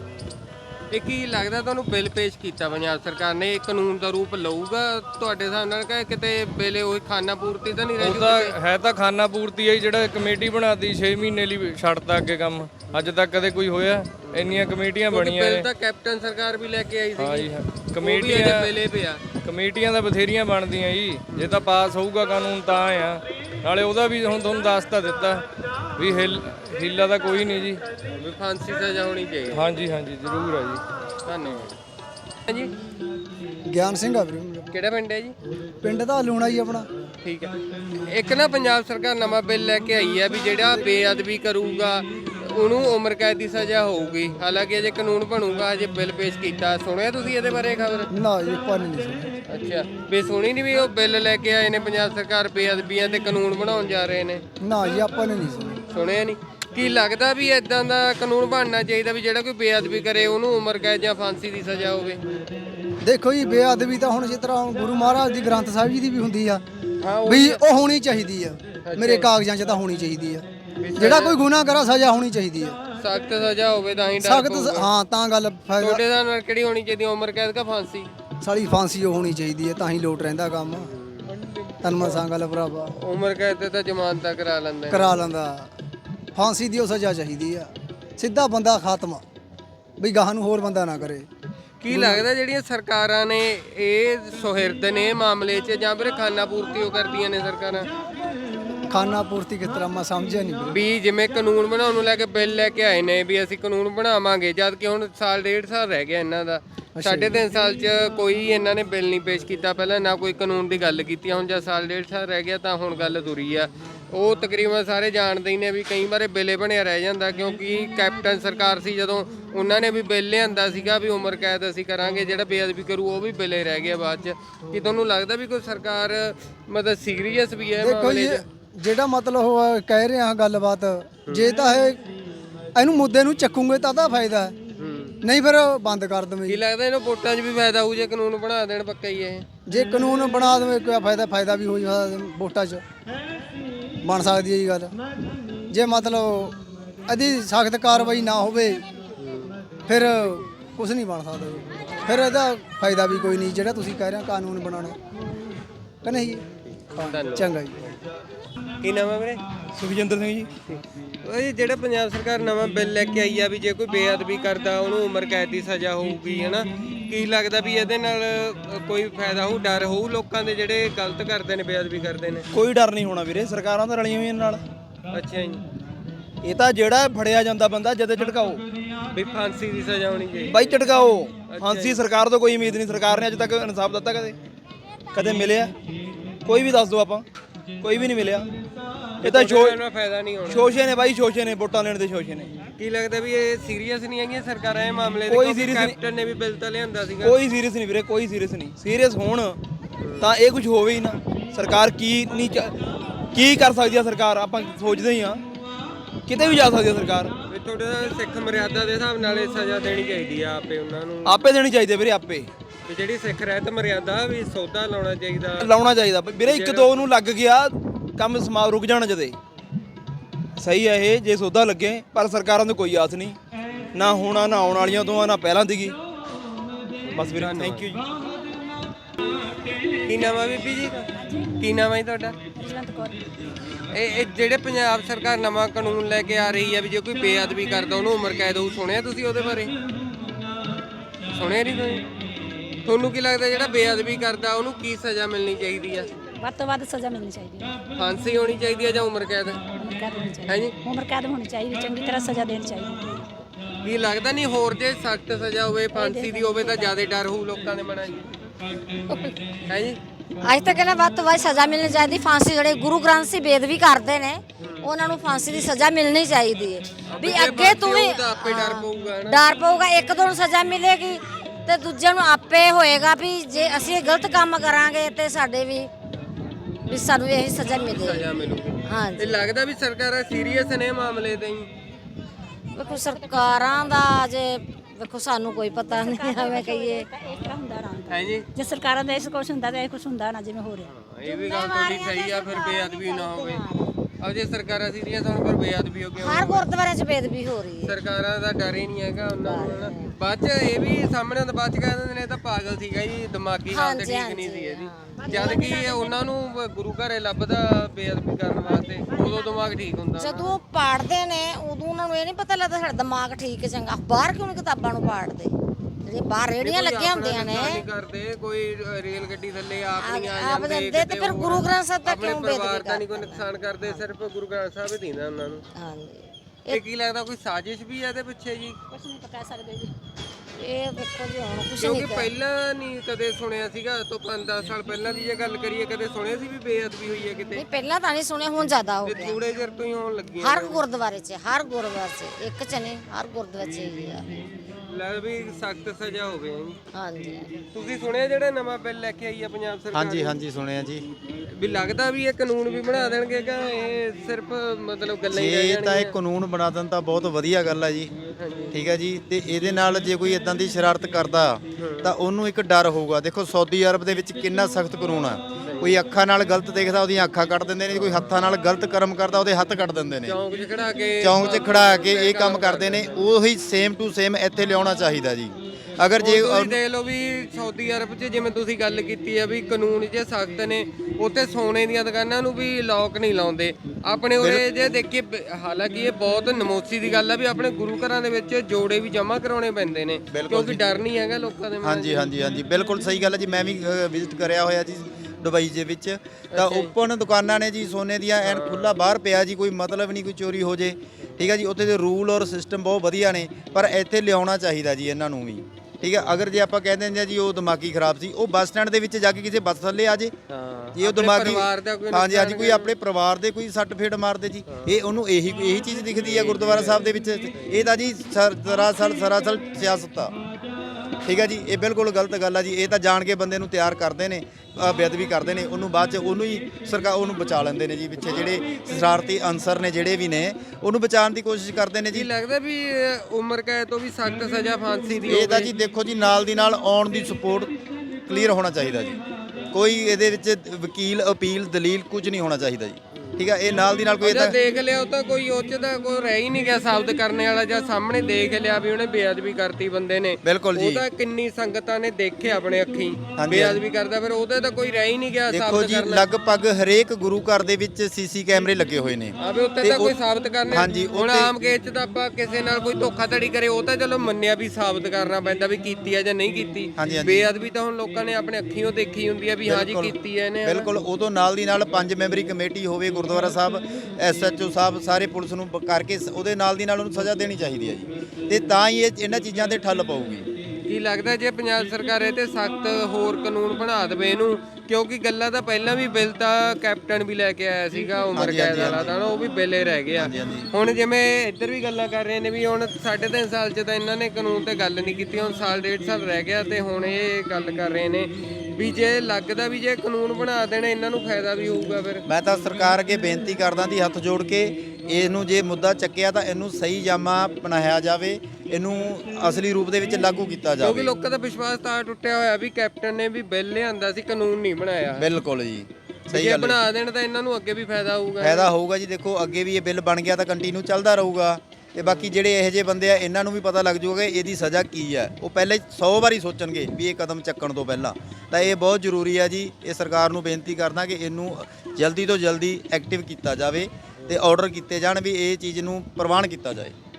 S1: ਇਹ ਕੀ ਲੱਗਦਾ ਤੁਹਾਨੂੰ ਬਿੱਲ ਪੇਸ਼ ਕੀਤਾ ਪੰਜਾਬ ਸਰਕਾਰ ਨੇ, ਇਹ ਕਾਨੂੰਨ ਦਾ ਰੂਪ ਲਊਗਾ ਤੁਹਾਡੇ ਹਿਸਾਬ ਨਾਲ ਕਿ ਕਿਤੇ ਬਿੱਲ ਉਹੀ ਖਾਨਾ ਪੂਰਤੀ ਤਾਂ ਨਹੀਂ ਰਹਿ
S8: ਉਹ ਤਾਂ ਹੈ ਤਾਂ ਖਾਨਾ ਪੂਰਤੀ ਹੈ ਜੀ। ਜਿਹੜਾ ਕਮੇਟੀ ਬਣਾਤੀ ਛੇ ਮਹੀਨੇ ਲਈ ਛੱਡਤਾ ਅੱਗੇ ਕੰਮ, ਅੱਜ ਤੱਕ ਕਦੇ ਕੋਈ ਹੋਇਆ? ਇੰਨੀਆਂ ਕਮੇਟੀਆਂ ਬਣੀਆਂ
S1: ਬਿੱਲ
S8: ਨੇ।
S1: ਤਾਂ ਕੈਪਟਨ ਸਰਕਾਰ ਵੀ ਲੈ ਕੇ ਆਈ ਸੀ।
S8: ਹਾਂ ਜੀ ਹਾਂ।
S1: ਕਮੇਟੀਆਂ
S8: ਕਮੇਟੀਆਂ
S1: ਬਿੱਲੇ ਪਿਆ
S8: ਕਮੇਟੀਆਂ ਤਾਂ ਬਥੇਰੀਆਂ ਬਣਦੀਆਂ ਜੀ। ਜੇ ਤਾਂ ਪਾਸ ਹੋਊਗਾ ਕਾਨੂੰਨ ਤਾਂ ਆ। ਨਾਲੇ ਉਹਦਾ ਵੀ ਹੁਣ ਤੁਹਾਨੂੰ ਦੱਸ ਤਾਂ ਦਿੱਤਾ ਵੀ ਹਿੱਲ ਹੀਲਾ ਤਾਂ ਕੋਈ ਨਹੀਂ ਜੀ।
S1: ਵੀ ਫਾਂਸੀ ਸਜ਼ਾ ਹੋਣੀ ਚਾਹੀਦੀ।
S8: ਹਾਂਜੀ ਹਾਂਜੀ ਜ਼ਰੂਰ ਹੈ ਜੀ।
S1: ਧੰਨਵਾਦ। ਹਾਂਜੀ,
S3: ਗਿਆਨ ਸਿੰਘ ਆ ਵੀਰੇ ਮੇਰਾ।
S1: ਕਿਹੜਾ ਪਿੰਡ ਹੈ ਜੀ?
S3: ਪਿੰਡ ਦਾ ਲੂਣਾ ਜੀ ਆਪਣਾ।
S1: ਠੀਕ ਹੈ। ਇੱਕ ਨਾ ਪੰਜਾਬ ਸਰਕਾਰ ਨਵਾਂ ਬਿੱਲ ਲੈ ਕੇ ਆਈ ਹੈ ਵੀ ਜਿਹੜਾ ਬੇਅਦਬੀ ਕਰੂਗਾ ਉਹਨੂੰ ਉਮਰ ਕੈਦ ਦੀ ਸਜ਼ਾ ਹੋਊਗੀ। ਹਾਲਾਂਕਿ ਅਜੇ ਕਾਨੂੰਨ ਬਣੂਗਾ, ਅਜੇ ਬਿੱਲ ਪੇਸ਼ ਕੀਤਾ। ਸੁਣਿਆ ਤੁਸੀਂ ਇਹਦੇ ਬਾਰੇ ਖਬਰ?
S3: ਨਾ ਜੀ ਆਪਾਂ ਨਹੀਂ ਸੁਣਿਆ।
S1: ਅੱਛਾ, ਵੀ ਸੁਣੀ ਨਹੀਂ ਵੀ ਉਹ ਬਿੱਲ ਲੈ ਕੇ ਆਏ ਨੇ ਪੰਜਾਬ ਸਰਕਾਰ, ਬੇਅਦਬੀਆਂ ਤੇ ਕਾਨੂੰਨ ਬਣਾਉਣ ਜਾ ਰਹੇ ਨੇ?
S3: ਨਾ ਜੀ ਆਪਾਂ ਨੇ ਨਹੀਂ ਸੁਣਿਆ।
S1: ਸੁਣਿਆ ਨਹੀਂ। ਕੀ ਲੱਗਦਾ ਵੀ ਇਦਾਂ ਦਾ ਕਾਨੂੰਨ ਬਣਨਾ ਚਾਹੀਦਾ ਵੀ ਜਿਹੜਾ ਕੋਈ ਬੇਅਦਬੀ ਕਰੇ ਉਹਨੂੰ ਉਮਰ ਕੈਦ ਜਾਂ ਫਾਂਸੀ ਦੀ ਸਜ਼ਾ ਹੋਵੇ?
S3: ਦੇਖੋ ਜੀ, ਬੇਅਦਬੀ ਤਾਂ ਹੁਣ ਜਿਸ ਤਰ੍ਹਾਂ ਹੁਣ ਗੁਰੂ ਮਹਾਰਾਜ ਦੀ ਗ੍ਰੰਥ ਸਾਹਿਬ ਜੀ ਦੀ ਵੀ ਹੁੰਦੀ ਆ
S1: ਹਾਂ, ਉਹ
S3: ਵੀ ਉਹ ਹੋਣੀ ਚਾਹੀਦੀ ਆ। ਮੇਰੇ ਕਾਗਜ਼ਾਂ 'ਚ ਤਾਂ ਹੋਣੀ ਚਾਹੀਦੀ ਆ। ਜਿਹੜਾ ਕੋਈ ਗੁਨਾਹ ਕਰਾ ਸਜ਼ਾ ਹੋਣੀ ਚਾਹੀਦੀ ਆ।
S1: ਸਖਤ ਸਜ਼ਾ ਹੋਵੇ ਤਾਂ ਹੀ ਡਰ
S3: ਸਖਤ
S1: ਪਊਗਾ।
S3: ਹਾਂ ਤਾਂ ਗੱਲ ਫਾਇਦਾ।
S1: ਤੁਹਾਡੇ ਦਾ ਨਾਲ ਕਿਹੜੀ ਹੋਣੀ ਚਾਹੀਦੀ, ਉਮਰ ਕੈਦ ਕਾ ਫਾਂਸੀ?
S3: ਸਾਲੀ ਫਾਂਸੀ ਉਹ ਹੋਣੀ ਚਾਹੀਦੀ ਹੈ, ਤਾਂ ਹੀ ਲੋਟ ਰਹਿੰਦਾ ਕੰਮ। ਤਨ ਮਸਾਂ ਗੱਲ ਭਰਾਵਾ
S1: ਉਮਰ ਕੈਦ ਤੇ ਤਾਂ ਜ਼ਮਾਨਤਾਂ ਕਰਾ ਲੈਂਦੇ
S3: ਕਰਾ ਲੈਂਦਾ। ਫਾਂਸੀ ਦੀ ਉਹ ਸਜ਼ਾ ਚਾਹੀਦੀ ਆ। ਸਿੱਧਾ ਬੰਦਾ ਖਾਤਮਾ, ਵੀ ਗਾਹਾਂ ਨੂੰ ਹੋਰ ਬੰਦਾ ਨਾ ਕਰੇ।
S1: ਕੀ ਲੱਗਦਾ ਜਿਹੜੀਆਂ ਸਰਕਾਰਾਂ ਨੇ ਇਹ ਸੁਹਿਰਦ ਨੇ ਮਾਮਲੇ 'ਚ ਜਾਂ ਫਿਰ ਖਾਨਾ ਪੂਰਤੀ ਉਹ ਕਰਦੀਆਂ ਨੇ ਸਰਕਾਰਾਂ?
S3: ਖਾਨਾ ਪੂਰਤੀ ਕਿਸ ਤਰ੍ਹਾਂ ਮੈਂ ਸਮਝਿਆ ਨਹੀਂ ਵੀਰੇ।
S1: ਵੀ ਜਿਵੇਂ ਕਾਨੂੰਨ ਬਣਾਉਣ ਨੂੰ ਲੈ ਕੇ ਬਿੱਲ ਲੈ ਕੇ ਆਏ ਨੇ ਵੀ ਅਸੀਂ ਕਾਨੂੰਨ ਬਣਾਵਾਂਗੇ, ਜਦ ਕਿ ਹੁਣ ਸਾਲ ਡੇਢ ਸਾਲ ਰਹਿ ਗਿਆ ਇਹਨਾਂ ਦਾ। ਸਾਢੇ ਤਿੰਨ ਸਾਲ 'ਚ ਕੋਈ ਇਹਨਾਂ ਨੇ ਬਿੱਲ ਨਹੀਂ ਪੇਸ਼ ਕੀਤਾ, ਪਹਿਲਾਂ ਨਾ ਕੋਈ ਕਾਨੂੰਨ ਦੀ ਗੱਲ ਕੀਤੀ। ਹੁਣ ਜਦ ਸਾਲ ਡੇਢ ਸਾਲ ਰਹਿ ਗਿਆ ਤਾਂ ਹੁਣ ਗੱਲ ਤੁਰੀ ਆ। ਉਹ ਤਕਰੀਬਨ ਸਾਰੇ ਜਾਣਦੇ ਹੀ ਨੇ ਵੀ ਕਈ ਵਾਰੇ ਬਿੱਲੇ ਬਣਿਆ ਰਹਿ ਜਾਂਦਾ, ਕਿਉਂਕਿ ਕੈਪਟਨ ਸਰਕਾਰ ਸੀ ਜਦੋਂ ਉਹਨਾਂ ਨੇ ਵੀ ਬਿੱਲ ਲਿਆਂਦਾ ਸੀਗਾ ਵੀ ਉਮਰ ਕੈਦ ਅਸੀਂ ਕਰਾਂਗੇ, ਜਿਹੜਾ ਬੇਅਦਬੀ ਕਰੂ ਉਹ ਵੀ ਬਿੱਲੇ ਰਹਿ ਗਿਆ ਬਾਅਦ 'ਚ। ਕੀ ਤੁਹਾਨੂੰ ਲੱਗਦਾ ਵੀ ਕੋਈ ਸਰਕਾਰ ਮਤਲਬ ਸੀਰੀਅਸ ਵੀ ਹੈ
S3: ਦੇਖੋ ਜੀ,
S1: ਮਾਮਲੇ 'ਚ?
S3: ਜਿਹੜਾ ਮਤਲਬ ਉਹ ਕਹਿ ਰਹੇ ਆ ਗੱਲਬਾਤ, ਜੇ ਤਾਂ ਇਹ ਇਹਨੂੰ ਮੁੱਦੇ ਨੂੰ ਚੱਕੂਗੇ ਤਾਂ ਤਾਂ ਫਾਇਦਾ ਹੈ, ਨਹੀਂ ਫਿਰ ਬੰਦ ਕਰ
S1: ਕੀ
S3: ਦਵੇਂ।
S1: ਲੱਗਦਾ ਇਹਨੂੰ ਵੋਟਾਂ 'ਚ ਵੀ ਫਾਇਦਾ ਹੋਊ ਜੇ ਕਾਨੂੰਨ ਬਣਾ ਦੇਣ ਪੱਕਾ ਹੀ ਇਹ?
S3: ਜੇ ਕਾਨੂੰਨ ਬਣਾ ਦੇਵੇ ਕੋਈ ਫਾਇਦਾ ਫਾਇਦਾ ਵੀ ਹੋ ਜਾਂਦਾ, ਵੋਟਾਂ 'ਚ ਬਣ ਸਕਦੀ ਹੈ ਇਹ ਗੱਲ। ਜੇ ਮਤਲਬ ਇਹਦੀ ਸਖਤ ਕਾਰਵਾਈ ਨਾ ਹੋਵੇ ਫਿਰ ਕੁਝ ਨਹੀਂ ਬਣ ਸਕਦਾ ਜੀ। ਫਿਰ ਇਹਦਾ ਫਾਇਦਾ ਵੀ ਕੋਈ ਨਹੀਂ ਜਿਹੜਾ ਤੁਸੀਂ ਕਹਿ ਰਹੇ ਹੋ ਕਾਨੂੰਨ ਬਣਾਉਣਾ, ਕਿ ਨਹੀਂ? ਹਾਂ, ਚੰਗਾ ਜੀ।
S1: ਕੀ ਨਾਮ ਹੈ ਵੀਰੇ?
S4: ਸੁਖਜਿੰਦਰ ਸਿੰਘ ਜੀ।
S1: ਇਹ ਜਿਹੜਾ ਪੰਜਾਬ ਸਰਕਾਰ ਨਵਾਂ ਬਿੱਲ ਲੈ ਕੇ ਆਈ ਆ ਵੀ ਜੇ ਕੋਈ ਬੇਅਦਬੀ ਕਰਦਾ ਉਹਨੂੰ ਉਮਰ ਕੈਦ ਦੀ ਸਜ਼ਾ ਹੋਊਗੀ, ਹੈਨਾ? ਕੀ ਲੱਗਦਾ ਵੀ ਇਹਦੇ ਨਾਲ ਅ, ਕੋਈ ਫਾਇਦਾ ਹੋਊ, ਡਰ ਹੋਊ ਲੋਕਾਂ ਦੇ ਜਿਹੜੇ ਗਲਤ ਕਰਦੇ ਨੇ, ਬੇਅਦਬੀ ਕਰਦੇ ਨੇ?
S4: ਕੋਈ ਡਰ ਨਹੀਂ ਹੋਣਾ ਵੀਰੇ, ਸਰਕਾਰਾਂ ਤਾਂ ਰਲੀਆਂ ਹੋਈਆਂ ਨਾਲ।
S1: ਅੱਛਾ ਜੀ।
S4: ਇਹ ਤਾਂ ਜਿਹੜਾ ਫੜਿਆ ਜਾਂਦਾ ਬੰਦਾ ਜਦੇ ਝਟਕਾਓ,
S1: ਵੀ ਫਾਂਸੀ ਦੀ ਸਜ਼ਾ ਹੋਣੀ ਚਾਹੀਦੀ।
S4: ਬਾਈ ਝਟਕਾਓ। ਫਾਂਸੀ ਸਰਕਾਰ ਤੋਂ ਕੋਈ ਉਮੀਦ ਨਹੀਂ। ਸਰਕਾਰ ਨੇ ਅੱਜ ਤੱਕ ਇਨਸਾਫ ਦਿੱਤਾ ਕਦੇ? ਕਦੇ ਮਿਲਿਆ? ਕੋਈ ਵੀ ਦੱਸ ਦਿਓ, ਆਪਾਂ ਕੋਈ ਵੀ ਨਹੀਂ ਮਿਲਿਆ। ਇਹ ਤਾਂ ਸ਼ੋ
S1: ਇਹਨਾਂ ਫਾਇਦਾ ਨਹੀਂ ਹੋਣਾ।
S4: ਸ਼ੋਸ਼ੇ ਨੇ ਬਾਈ, ਸ਼ੋਸ਼ੇ ਨੇ, ਵੋਟਾਂ ਲੈਣ ਦੇ ਸ਼ੋਸ਼ੇ ਨੇ।
S1: ਕੀ ਲੱਗਦਾ ਵੀ ਇਹ ਸੀਰੀਅਸ ਨਹੀਂ ਹੈਗੀਆਂ ਸਰਕਾਰਾਂ ਇਹ ਮਾਮਲੇ ਦੇ?
S4: ਕੋਈ
S1: ਕਿਉਂਕਿ
S4: serious ਨਹੀਂ।
S1: ਕੈਪਟਨ ਨੇ ਵੀ ਬਿੱਲ ਤਾਂ ਲਿਆਂਦਾ ਸੀਗਾ।
S4: ਕੋਈ ਸੀਰੀਅਸ ਨਹੀਂ ਵੀਰੇ, ਕੋਈ ਸੀਰੀਅਸ ਨਹੀਂ। ਸੀਰੀਅਸ ਹੋਣ ਤਾਂ ਇਹ ਕੁਝ ਹੋਵੇ ਹੀ ਨਾ। ਸਰਕਾਰ ਕੀ ਨਹੀਂ ਚ- ਕੀ ਕਰ ਸਕਦੀ ਆ ਸਰਕਾਰ? ਆਪਾਂ ਸੋਚਦੇ ਹੀ ਆ, ਕਿਤੇ ਵੀ ਜਾ ਸਕਦੀ ਆ ਸਰਕਾਰ।
S1: ਵੀ ਤੁਹਾਡੇ ਨਾਲ ਸਿੱਖ ਮਰਿਆਦਾ ਦੇ ਹਿਸਾਬ ਨਾਲ ਇਹ ਸਜ਼ਾ ਦੇਣੀ ਚਾਹੀਦੀ ਆ ਆਪੇ ਉਹਨਾਂ ਨੂੰ?
S4: ਆਪੇ ਦੇਣੀ ਚਾਹੀਦੀ ਆ ਵੀਰੇ, ਆਪੇ
S1: ਵੀ ਜਿਹੜੀ ਸਿੱਖ ਰਹਿਤ ਮਰਿਆਦਾ ਵੀ ਸੌਦਾ ਲਾਉਣਾ ਚਾਹੀਦਾ।
S4: ਲਾਉਣਾ ਚਾਹੀਦਾ ਵੀਰੇ। ਇੱਕ ਦੋ ਨੂੰ ਲੱਗ ਗਿਆ ਕੰਮ, ਸਮਾਂ ਰੁਕ ਜਾਣਾ ਜਦੇ। ਸਹੀ ਹੈ ਇਹ, ਜੇ ਸੌਦਾ ਲੱਗੇ। ਪਰ ਸਰਕਾਰਾਂ ਤੋਂ ਕੋਈ ਆਸ ਨਹੀਂ, ਨਾ ਹੋਣਾ, ਨਾ ਆਉਣ ਵਾਲੀਆਂ ਤੋਂ ਆ, ਨਾ ਪਹਿਲਾਂ ਦੀਗੀ। ਬਸ ਵੀਰੇ, ਥੈਂਕ ਯੂ ਜੀ।
S1: ਕੀ ਨਾਮ ਹੈ ਬੀਬੀ ਜੀ? ਕੀ ਨਾਮ ਹੈ ਜੀ ਤੁਹਾਡਾ? ਇਹ ਇਹ ਜਿਹੜੇ ਪੰਜਾਬ ਸਰਕਾਰ ਨਵਾਂ ਕਾਨੂੰਨ ਲੈ ਕੇ ਆ ਰਹੀ ਹੈ ਵੀ ਜੇ ਕੋਈ ਬੇਅਦਬੀ ਕਰਦਾ ਉਹਨੂੰ ਉਮਰ ਕੈਦ ਹੋਊ, ਸੁਣਿਆ ਤੁਸੀਂ ਉਹਦੇ ਬਾਰੇ? ਸੁਣਿਆ ਨਹੀਂ ਤੁਸੀਂ? ਤੁਹਾਨੂੰ ਕੀ ਲੱਗਦਾ ਜਿਹੜਾ ਬੇਅਦਬੀ ਕਰਦਾ ਉਹਨੂੰ ਕੀ ਸਜ਼ਾ ਮਿਲਣੀ ਚਾਹੀਦੀ ਆ?
S9: ਵੱਧ ਤੋਂ ਵੱਧ ਸਜ਼ਾ ਮਿਲਣੀ ਚਾਹੀਦੀ ਹੈ।
S1: ਫਾਂਸੀ ਹੋਣੀ ਚਾਹੀਦੀ ਹੈ ਜਾਂ ਉਮਰ ਕੈਦ?
S9: ਉਮਰ ਕੈਦ ਹੋਣੀ ਚਾਹੀਦੀ
S1: ਹੈ ਜੀ।
S9: ਉਮਰ ਕੈਦ ਹੋਣੀ ਚਾਹੀਦੀ, ਚੰਗੀ ਤਰ੍ਹਾਂ ਸਜ਼ਾ ਦੇਣੀ ਚਾਹੀਦੀ ਹੈ।
S1: ਕੀ ਲੱਗਦਾ ਨਹੀਂ ਹੋਰ ਜੇ ਸਖਤ ਸਜ਼ਾ ਹੋਵੇ ਫਾਂਸੀ ਦੀ ਹੋਵੇ ਤਾਂ ਜ਼ਿਆਦਾ ਡਰ ਹੋਊ ਲੋਕਾਂ ਦੇ ਮਨਾਂ 'ਚ, ਹੈ ਜੀ?
S5: ਅੱਜ ਤੱਕ ਇਹਨਾਂ ਵੱਧ ਤੋਂ ਵੱਧ ਸਜ਼ਾ ਮਿਲਣੀ ਚਾਹੀਦੀ। ਫਾਂਸੀ ਜਿਹੜੇ ਗੁਰੂ ਗ੍ਰੰਥ ਸਾਹਿਬ ਬੇਅਦਬੀ ਕਰਦੇ ਨੇ ਉਹਨਾਂ ਨੂੰ ਫਾਂਸੀ ਦੀ ਸਜ਼ਾ ਮਿਲਣੀ ਚਾਹੀਦੀ ਹੈ ਵੀ
S1: ਜੇ
S5: ਅੱਗੇ ਤੂੰ ਵੀ
S1: ਫਾਂਸੀ ਹੋਊ ਤਾਂ ਆਪੇ ਡਰ ਪਊਗਾ ਨਾ।
S5: ਡਰ ਪਊਗਾ, ਇੱਕ ਦੋ ਨੂੰ ਸਜ਼ਾ ਮਿਲੇਗੀ ਤੇ ਦੂਜੇ ਨੂੰ ਆਪੇ ਹੋਏਗਾ ਵੀ ਜੇ ਅਸੀਂ ਇਹ ਗਲਤ ਕੰਮ ਕਰਾਂਗੇ ਤੇ ਸਾਡੇ ਵੀ ਵੀ ਸਾਨੂੰ ਇਹੀ ਸਜ਼ਾ ਮਿਲੇਗੀ।
S1: ਸਜ਼ਾ ਮਿਲੂਗੀ।
S5: ਹਾਂਜੀ।
S1: ਇਹ ਲੱਗਦਾ ਵੀ ਸਰਕਾਰਾਂ ਸੀਰੀਅਸ ਨੇ ਮਾਮਲੇ ਤੇ ਹੀ।
S5: ਵੇਖੋ ਸਰਕਾਰਾਂ ਦਾ ਜੇ ਵੇਖੋ ਸਾਨੂੰ ਕੋਈ ਪਤਾ ਨਹੀਂ ਐਵੇਂ ਕਹੀਏ।
S9: ਇਸ ਤਰ੍ਹਾਂ ਹੁੰਦਾ ਨਾ
S1: ਹੈ ਜੀ।
S9: ਜੇ ਸਰਕਾਰਾਂ ਦਾ ਇਸ ਕੁਛ ਹੁੰਦਾ ਤਾਂ ਇਹ ਕੁਛ ਹੁੰਦਾ ਨਾ ਜਿਵੇਂ ਹੋ ਰਿਹਾ।
S1: ਇਹ ਵੀ ਗੱਲ ਤੁਹਾਡੀ ਸਹੀ ਆ, ਫਿਰ ਬੇਅਦਬੀ ਨਾ ਹੋਵੇ। ਅਬ ਜੇ ਸਰਕਾਰਾਂ ਸੀਰੀਅਸ ਹੋਣ ਫਿਰ ਬੇਅਦਬੀ ਹੋ
S5: ਹਰ
S1: ਗਈ।
S5: ਗੁਰਦੁਆਰੇ 'ਚ ਬੇਅਦਬੀ ਹੋ ਰਹੀ ਹੈ।
S1: ਸਰਕਾਰਾਂ ਦਾ ਡਰ ਹੀ ਨਹੀਂ ਹੈਗਾ ਉਹਨਾਂ ਨੂੰ ਹਨਾ। ਬਾਅਦ ਚ ਇਹ ਵੀ ਸਾਹਮਣੇ ਤਾਂ ਬਾਅਦ ਚ ਕਹਿ ਦਿੰਦੇ ਨੇ ਇਹ ਤਾਂ ਪਾਗਲ ਸੀਗਾ ਜੀ, ਦਿਮਾਗੀ ਹਾਲਤ
S5: ਹਾਂਜੀ,
S1: ਠੀਕ ਨਹੀਂ
S5: ਹਾਂਜੀ,
S1: ਸੀ ਇਹਦੀ। ਜਦ ਕਿ ਇਹ ਉਹਨਾਂ ਨੂੰ ਗੁਰੂ ਘਰੇ ਲੱਭਦਾ ਬੇਅਦਬੀ ਕਰਨ ਵਾਸਤੇ, ਉਦੋਂ ਦਿਮਾਗ ਠੀਕ ਹੁੰਦਾ।
S5: ਜਦੋਂ ਉਹ ਪਾੜਦੇ ਨੇ ਉਦੋਂ ਉਹਨਾਂ ਨੂੰ ਇਹ ਨਹੀਂ ਪਤਾ ਲੱਗਦਾ ਸਾਡਾ ਦਿਮਾਗ ਠੀਕ ਹੈ ਚੰਗਾ। ਬਾਹਰ ਕਿਉਂ ਨਹੀਂ ਕਿਤਾਬਾਂ ਨੂੰ ਪਾੜਦੇ? ਜਿਹੜੇ ਬਾਹਰ ਰੇੜੀਆਂ ਲੱਗੀਆਂ ਹੁੰਦੀਆਂ ਨੇ
S1: ਨਹੀਂ ਕਰਦੇ ਕੋਈ ਰੇਲ ਗੱਡੀ ਥੱਲੇ ਆਪ ਨਹੀਂ ਆ
S5: ਆਪ
S1: ਜਾਂਦੇ
S5: ਜਾਂਦੇ ਤੇ ਫਿਰ ਗੁਰੂ ਗ੍ਰੰਥ ਸਾਹਿਬ ਦਾ
S1: ਆਪਣੇ
S5: ਕਿਉਂ
S1: ਪਰਿਵਾਰ
S5: ਬੇਦਬੀ
S1: ਦਾ ਨਹੀਂ ਕੋਈ ਨੁਕਸਾਨ ਕਰਦੇ, ਸਿਰਫ ਗੁਰੂ ਗ੍ਰੰਥ ਸਾਹਿਬ ਹੀ ਦਿੰਦਾ ਉਹਨਾਂ ਨੂੰ।
S5: ਹਾਂਜੀ।
S1: ਇਹ ਕੀ ਲੱਗਦਾ ਕੋਈ ਸਾਜ਼ਿਸ਼ ਵੀ ਹੈ ਇਹਦੇ ਪਿੱਛੇ ਜੀ?
S9: ਕੁਛ ਨਹੀਂ ਪਤਾ ਸਕਦੇ ਜੀ।
S5: ਇਹ ਵੇਖੋ ਜੀ ਹੁਣ ਕੁਛ
S1: ਕਿਉਂਕਿ
S5: ਨਹੀਂ
S1: ਪਹਿਲਾਂ ਨਹੀਂ ਕਦੇ ਸੁਣਿਆ ਸੀਗਾ, ਤੋਂ ਪੰਜ ਦਸ ਸਾਲ ਪਹਿਲਾਂ ਦੀ ਜੇ ਗੱਲ ਕਰੀਏ ਕਦੇ ਸੁਣਿਆ ਸੀ ਵੀ ਬੇਅਦਬੀ ਹੋਈ ਹੈ ਕਿਤੇ?
S5: ਨਹੀਂ ਪਹਿਲਾਂ ਤਾਂ ਨਹੀਂ ਸੁਣਿਆ, ਹੁਣ ਜ਼ਿਆਦਾ ਹੋ
S1: ਤੇ
S5: ਗਿਆ।
S1: ਥੋੜੇ ਚਿਰ ਤੋਂ ਹੀ ਹੋਣ ਲੱਗੀ
S5: ਹਰ ਗੁਰਦੁਆਰੇ 'ਚ ਹਰ ਗੁਰਦੁਆਰੇ 'ਚ ਇੱਕ 'ਚ ਨਹੀਂ, ਹਰ ਗੁਰਦੁਆਰੇ 'ਚ ਹੀ ਆ।
S1: ਲੱਗ ਵੀ ਸਖਤ ਸਜ਼ਾ ਹੋਵੇ ਜੀ।
S5: ਹਾਂਜੀ।
S1: ਤੁਸੀਂ ਸੁਣਿਆ ਜਿਹੜਾ ਨਵਾਂ ਬਿੱਲ ਲੈ ਕੇ ਆਈ ਹੈ ਪੰਜਾਬ ਸਰਕਾਰ?
S6: ਹਾਂਜੀ ਹਾਂਜੀ ਸੁਣਿਆ ਜੀ।
S1: ਵੀ ਲੱਗਦਾ ਵੀ ਇਹ ਕਾਨੂੰਨ ਵੀ ਬਣਾ ਦੇਣਗੇ ਕਿ ਇਹ ਸਿਰਫ ਮਤਲਬ ਗੱਲਾਂ ਹੀ ਰਹਿ
S6: ਜੇ ਤਾਂ ਇਹ
S1: ਜਾਣਗੀਆਂ?
S6: ਕਾਨੂੰਨ ਬਣਾ ਦੇਣ ਤਾਂ ਬਹੁਤ ਵਧੀਆ ਗੱਲ ਆ ਜੀ। ਠੀਕ ਹੈ ਜੀ। ਤੇ ਇਹਦੇ ਨਾਲ ਜੇ ਕੋਈ ਇਦਾਂ ਦੀ ਸ਼ਰਾਰਤ ਕਰਦਾ ਤਾਂ ਉਹਨੂੰ ਇੱਕ ਡਰ ਹੋਊਗਾ। ਦੇਖੋ ਸਾਊਦੀ ਅਰਬ ਦੇ ਵਿੱਚ ਕਿੰਨਾ ਸਖਤ ਕਾਨੂੰਨ ਆ। ਕੋਈ ਅੱਖਾਂ ਨਾਲ ਗਲਤ ਦੇਖਦਾ ਉਹਦੀਆਂ ਅੱਖਾਂ ਕੱਟ ਦਿੰਦੇ ਨੇ, ਕੋਈ ਹੱਥਾਂ ਨਾਲ ਗਲਤ ਕਰਮ ਕਰਦਾ ਉਹਦੇ ਹੱਥ ਕੱਟ ਦਿੰਦੇ ਨੇ।
S1: ਚੌਂਕ 'ਚ ਖੜਾ ਕੇ
S6: ਚੌਂਕ 'ਚ ਖੜਾ ਕੇ ਇਹ ਕੰਮ ਕਰਦੇ ਨੇ। ਉਹੀ ਸੇਮ ਟੂ ਸੇਮ ਇੱਥੇ ਲਿਆਉਣਾ ਚਾਹੀਦਾ ਜੀ। ਅਗਰ ਜੇ
S1: ਤੁਸੀਂ ਦੇਖ ਲਓ ਵੀ ਸਾਊਦੀ ਅਰਬ 'ਚ ਜਿਵੇਂ ਤੁਸੀਂ ਗੱਲ ਕੀਤੀ ਹੈ ਵੀ ਕਾਨੂੰਨ ਜੇ ਸਖਤ ਨੇ, ਉੱਥੇ ਸੋਨੇ ਦੀਆਂ ਦੁਕਾਨਾਂ ਨੂੰ ਵੀ ਲੋਕ ਨਹੀਂ ਲਾਉਂਦੇ। ਆਪਣੇ ਉਰੇ ਜੇ ਦੇਖੀਏ, ਹਾਲਾਂਕਿ ਇਹ ਬਹੁਤ ਨਮੋਸੀ ਦੀ ਗੱਲ ਆ ਵੀ ਆਪਣੇ ਗੁਰੂ ਘਰਾਂ ਦੇ ਵਿੱਚ ਜੋੜੇ ਵੀ ਜਮ੍ਹਾਂ ਕਰਾਉਣੇ ਪੈਂਦੇ ਨੇ, ਕਿਉਂਕਿ ਡਰ ਨਹੀਂ ਹੈਗਾ ਲੋਕਾਂ ਦੇ ਮਨਾਂ 'ਚ।
S6: ਹਾਂਜੀ ਹਾਂਜੀ ਹਾਂਜੀ ਬਿਲਕੁਲ ਸਹੀ ਗੱਲ ਹੈ ਜੀ। ਮੈਂ ਵੀ ਵਿਜ਼ਿਟ ਕਰਿਆ ਹੋਇਆ ਜੀ ਦੁਬਈ ਦੇ ਵਿੱਚ। ਤਾਂ ਓਪਨ ਦੁਕਾਨਾਂ ਨੇ ਜੀ ਸੋਨੇ ਦੀਆਂ, ਐਨ ਖੁੱਲਾ ਬਾਹਰ ਪਿਆ ਜੀ, ਕੋਈ ਮਤਲਬ ਨਹੀਂ ਕੋਈ ਚੋਰੀ ਹੋ ਜੇ। ਠੀਕ ਹੈ ਜੀ। ਉੱਥੇ ਦੇ ਰੂਲ ਔਰ ਸਿਸਟਮ ਬਹੁਤ ਵਧੀਆ ਨੇ, ਪਰ ਇੱਥੇ ਲਿਆਉਣਾ ਚਾਹੀਦਾ ਜੀ ਇਹਨਾਂ ਨੂੰ ਵੀ। ਠੀਕ ਹੈ। ਅਗਰ ਜੇ ਆਪਾਂ ਕਹਿੰਦੇ ਹਾਂ ਜੀ ਉਹ ਦਿਮਾਗੀ ਖਰਾਬ ਸੀ, ਉਹ ਬੱਸ ਸਟੈਂਡ ਦੇ ਵਿੱਚ ਜਾ ਕੇ ਕਿਸੇ ਬੱਸ ਥੱਲੇ ਆ ਜੇ, ਜੇ ਉਹ ਦਿਮਾਗੀ ਹਾਂਜੀ ਹਾਂਜੀ ਕੋਈ ਆਪਣੇ ਪਰਿਵਾਰ ਦੇ ਕੋਈ ਸੱਟ ਫੇਟ ਮਾਰਦੇ ਜੀ, ਇਹ ਉਹਨੂੰ ਇਹੀ ਇਹੀ ਚੀਜ਼ ਦਿਖਦੀ ਹੈ ਗੁਰਦੁਆਰਾ ਸਾਹਿਬ ਦੇ ਵਿੱਚ। ਇਹ ਤਾਂ ਜੀ ਸਰਾਸਰ ਸਰਾਸਰ ਸਿਆਸਤ ਆ। ਠੀਕ ਹੈ ਜੀ। ਇਹ ਬਿਲਕੁਲ ਗਲਤ ਗੱਲ ਆ ਜੀ। ਇਹ ਤਾਂ ਜਾਣ ਕੇ ਬੰਦੇ ਨੂੰ ਤਿਆਰ ਕਰਦੇ ਨੇ, ਬੇਅਦਬੀ ਕਰਦੇ ਨੇ, ਉਹਨੂੰ ਬਾਅਦ 'ਚ ਉਹਨੂੰ ਹੀ ਸਰਕਾਰ ਉਹਨੂੰ ਬਚਾ ਲੈਂਦੇ ਨੇ ਜੀ। ਪਿੱਛੇ ਜਿਹੜੇ ਸ਼ਰਾਰਤੀ ਅਨਸਰ ਨੇ ਜਿਹੜੇ ਵੀ ਨੇ ਉਹਨੂੰ ਬਚਾਉਣ ਦੀ ਕੋਸ਼ਿਸ਼ ਕਰਦੇ ਨੇ
S1: ਕੀ
S6: ਜੀ।
S1: ਲੱਗਦਾ ਵੀ ਉਮਰ ਕੈਦ ਤੋਂ ਵੀ ਸਖਤ ਸਜ਼ਾ ਫਾਂਸੀ ਦੀ
S6: ਇਹ ਤਾਂ
S1: ਹੋਵੇ?
S6: ਜੀ ਦੇਖੋ ਜੀ ਨਾਲ ਦੀ ਨਾਲ ਆਉਣ ਦੀ ਸਪੋਰਟ ਕਲੀਅਰ ਹੋਣਾ ਚਾਹੀਦਾ ਜੀ। ਕੋਈ ਇਹਦੇ ਵਿੱਚ ਵਕੀਲ ਅਪੀਲ ਦਲੀਲ ਕੁਝ ਨਹੀਂ ਹੋਣਾ ਚਾਹੀਦਾ ਜੀ। ਠੀਕ ਹੈ। ਇਹ ਨਾਲ ਦੀ ਨਾਲ ਕੋਈ
S1: ਜੇ
S6: ਇਹਦਾ
S1: ਦੇਖ ਲਿਆ ਉਹ ਤਾਂ ਕੋਈ ਉੱਚ ਦਾ ਕੋਈ ਰਹਿ ਹੀ ਨਹੀਂ ਗਿਆ ਸਾਬਤ ਕਰਨੇ ਵਾਲਾ, ਜਾਂ ਸਾਹਮਣੇ ਦੇਖ ਲਿਆ ਵੀ ਉਹਨੇ ਬੇਅਦਬੀ ਕਰਤੀ ਬੰਦੇ ਨੇ।
S6: ਬਿਲਕੁਲ ਜੀ।
S1: ਉਹ ਤਾਂ ਕਿੰਨੀ ਸੰਗਤਾਂ ਨੇ ਦੇਖਿਆ ਆਪਣੇ ਅੱਖੀਂ ਬੇਅਦਬੀ ਕਰਦਾ, ਫਿਰ ਉਹਦੇ ਤਾਂ ਕੋਈ ਰਹਿ ਹੀ ਨਹੀਂ ਗਿਆ
S6: ਦੇਖੋ
S1: ਸਾਬਤ
S6: ਜੀ
S1: ਕਰਨਾ।
S6: ਲਗਭਗ ਹਰੇਕ ਗੁਰੂ ਘਰ ਦੇ ਵਿੱਚ ਸੀਸੀ ਕੈਮਰੇ ਲੱਗੇ ਹੋਏ ਨੇ।
S1: ਆਵੇ ਉੱਤੇ
S6: ਤੇ
S1: ਤਾਂ ਕੋਈ
S6: ਉਹ-
S1: ਸਾਬਤ ਕਰਨੇ।
S6: ਹਾਂਜੀ,
S1: ਹੁਣ
S6: ਉੱਤੇ-
S1: ਆਮ ਕੇਸ 'ਚ ਤਾਂ ਆਪਾਂ ਕਿਸੇ ਨਾਲ ਕੋਈ ਧੋਖਾਧੜੀ ਕਰੇ ਉਹ ਤਾਂ ਚਲੋ ਮੰਨਿਆ ਵੀ ਸਾਬਤ ਕਰਨਾ ਪੈਂਦਾ ਵੀ ਕੀਤੀ ਹੈ ਜਾਂ ਨਹੀਂ ਕੀਤੀ।
S6: ਹਾਂਜੀ, ਹਾਂਜੀ।
S1: ਬੇਅਦਬੀ ਤਾਂ ਹੁਣ ਲੋਕਾਂ ਨੇ ਆਪਣੇ ਅੱਖੀਂ ਦੇਖੀ ਹੁੰਦੀ ਹੈ ਵੀ ਹਾਂ ਜੀ ਕੀਤੀ ਹੈ ਇਹਨੇ।
S6: ਬਿਲਕੁਲ। ਉਦੋਂ ਨਾਲ ਦੀ ਨਾਲ ਪੰਜ ਮੈਂਬਰੀ ਕਮੇਟੀ ਹੋਵੇ Gurdwara Sahib, S H O ਸਾਹਿਬ ਸਾਰੇ ਪੁਲਿਸ ਨੂੰ ਬ- ਕਰਕੇ ਉਹਦੇ ਨਾਲ ਦੀ ਨਾਲ ਉਹਨੂੰ ਸਜ਼ਾ ਦੇਣੀ ਚਾਹੀਦੀ ਹੈ ਜੀ। ਤੇ ਤਾਂ ਹੀ ਇਹ ਇਹਨਾਂ ਚੀਜ਼ਾਂ ਤੇ ਠੱਲ ਪਊਗੀ।
S1: ਕੀ ਲੱਗਦਾ ਜੇ ਪੰਜਾਬ ਸਰਕਾਰ ਇਹ ਤੇ ਸਖਤ ਹੋਰ ਕਾਨੂੰਨ ਬਣਾ ਦੇਵੇ ਇਹਨੂੰ, ਕਿਉਂਕਿ ਗੱਲਾਂ ਤਾਂ ਪਹਿਲਾਂ ਵੀ ਬਿੱਲ ਤਾਂ ਕੈਪਟਨ ਵੀ ਲੈ ਕੇ ਆਇਆ ਸੀਗਾ ਉਮਰ
S6: ਹਾਂਜੀ,
S1: ਕੈਦ
S6: ਹਾਂਜੀ,
S1: ਵਾਲਾ ਤਾਂ ਨਾ, ਉਹ ਵੀ ਬਿੱਲ ਹੀ ਰਹਿ ਗਿਆ।
S6: ਹਾਂਜੀ, ਹਾਂਜੀ।
S1: ਹੁਣ ਜਿਵੇਂ ਇੱਧਰ ਵੀ ਗੱਲਾਂ ਕਰ ਰਹੇ ਨੇ ਵੀ ਹੁਣ ਸਾਢੇ ਤਿੰਨ ਸਾਲ 'ਚ ਤਾਂ ਇਹਨਾਂ ਨੇ ਕਾਨੂੰਨ ਤੇ ਗੱਲ ਨਹੀਂ ਕੀਤੀ, ਹੁਣ ਸਾਲ ਡੇਢ ਸਾਲ ਰਹਿ ਗਿਆ ਤੇ ਹੁਣ ਇਹ ਗੱਲ ਕਰ ਰਹੇ ਨੇ ਵੀ ਜੇ ਲੱਗਦਾ ਵੀ ਜੇ ਕਾਨੂੰਨ ਬਣਾ ਦੇਣ ਇਹਨਾਂ ਨੂੰ ਫਾਇਦਾ ਵੀ ਹੋਊਗਾ। ਫਿਰ
S6: ਮੈਂ ਤਾਂ ਸਰਕਾਰ ਅੱਗੇ ਬੇਨਤੀ ਕਰਦਾ ਦੀ ਹੱਥ ਜੋੜ ਕੇ ਇਹਨੂੰ ਜੇ ਮੁੱਦਾ ਚੱਕਿਆ ਤਾਂ ਇਹਨੂੰ ਸਹੀ ਜਾਮਾ ਬਣਾਇਆ ਜਾਵੇ, ਇਹਨੂੰ ਅਸਲੀ ਰੂਪ ਦੇ ਵਿੱਚ ਲਾਗੂ ਕੀਤਾ
S1: ਕਿਉਂਕਿ
S6: ਜਾਵੇ।
S1: ਲੋਕਾਂ ਦਾ ਵਿਸ਼ਵਾਸ ਤਾਂ ਟੁੱਟਿਆ ਹੋਇਆ ਵੀ ਕੈਪਟਨ ਨੇ ਵੀ ਬਿੱਲ ਲਿਆਂਦਾ ਸੀ, ਕਾਨੂੰਨ ਨਹੀਂ ਬਣਾਇਆ।
S6: ਬਿਲਕੁਲ ਜੀ ਸਹੀ
S1: ਜੇ
S6: ਗੱਲ ਹੈ।
S1: ਬਣਾ ਦੇਣ ਤਾਂ ਇਹਨਾਂ ਨੂੰ ਅੱਗੇ ਵੀ ਫਾਇਦਾ ਹੋਊਗਾ।
S6: ਫਾਇਦਾ ਹੋਊਗਾ ਜੀ। ਦੇਖੋ ਅੱਗੇ ਵੀ ਇਹ ਬਿੱਲ ਬਣ ਗਿਆ ਤਾਂ ਕੰਟੀਨਿਊ ਚੱਲਦਾ ਰਹੂਗਾ। ਤੇ ਬਾਕੀ ਜਿਹੜੇ ਇਹੋ ਜਿਹੇ ਬੰਦੇ ਆ ਇਹਨਾਂ ਨੂੰ ਵੀ ਪਤਾ ਲੱਗ ਜਾਊਗਾ ਇਹਦੀ ਸਜ਼ਾ ਕੀ ਹੈ। ਉਹ ਪਹਿਲੇ ਸੌ ਵਾਰੀ ਸੋਚਣਗੇ ਵੀ ਇਹ ਕਦਮ ਚੱਕਣ ਤੋਂ ਪਹਿਲਾਂ। ਤਾਂ ਇਹ ਬਹੁਤ ਜ਼ਰੂਰੀ ਹੈ ਜੀ। ਇਹ ਸਰਕਾਰ ਨੂੰ ਬੇਨਤੀ ਕਰਦਾ ਕਿ ਇਹਨੂੰ ਜਲਦੀ ਤੋਂ ਜਲਦੀ ਐਕਟਿਵ ਕੀਤਾ ਜਾਵੇ ਤੇ ਆਰਡਰ ਕੀਤੇ ਜਾਣ ਵੀ ਇਹ ਚੀਜ਼ ਨੂੰ ਪ੍ਰਵਾਨ ਕੀਤਾ ਜਾਏ।